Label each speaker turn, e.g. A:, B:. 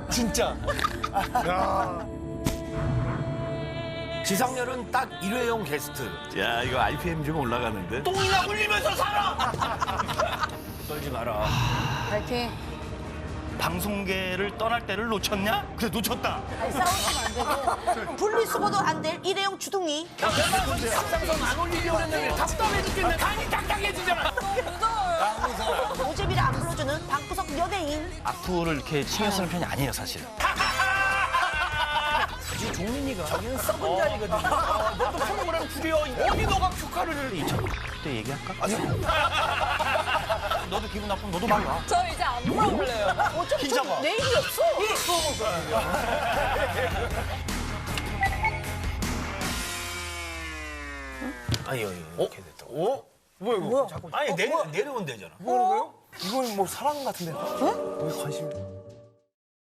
A: 진짜.
B: 지상렬은 딱 1회용 게스트. 야, 이거 RPM 좀 올라가는데?
A: 똥이나 흘리면서 살아.
B: 떨지 마라.
C: 파이팅.
A: 방송계를 떠날 때를 놓쳤냐? 그래 놓쳤다.
D: 아니, 싸우시면 안 되고 분리수거도 안 될 일회용 주둥이.
B: 앞장선 안 올리려고 했는데 답답해 죽겠네. 간이 딱딱해지잖아.
D: 오재비를 안 불러주는 방구석 연예인.
A: 악플을 이렇게 신경 쓰는 편이 아니에요 사실.
B: 이 종민이가 자기는 썩은 자리거든. 너도 프로그램 줄여. 어디 너가 휴가를
A: 2000대 얘기할까? 아니요. 너도 기분 나쁘면 너도 말이야.
C: 저 이제 안 물어볼래요.
D: 어차피
A: 긴장아.
D: 저 내일이 없어.
B: 아니, 이렇게 됐다고.
E: 어? 뭐야 이거?
B: 아니, 내려오면 되잖아.
E: 뭐 하는 거예요? 이건 뭐 사랑 같은데. 왜 관심?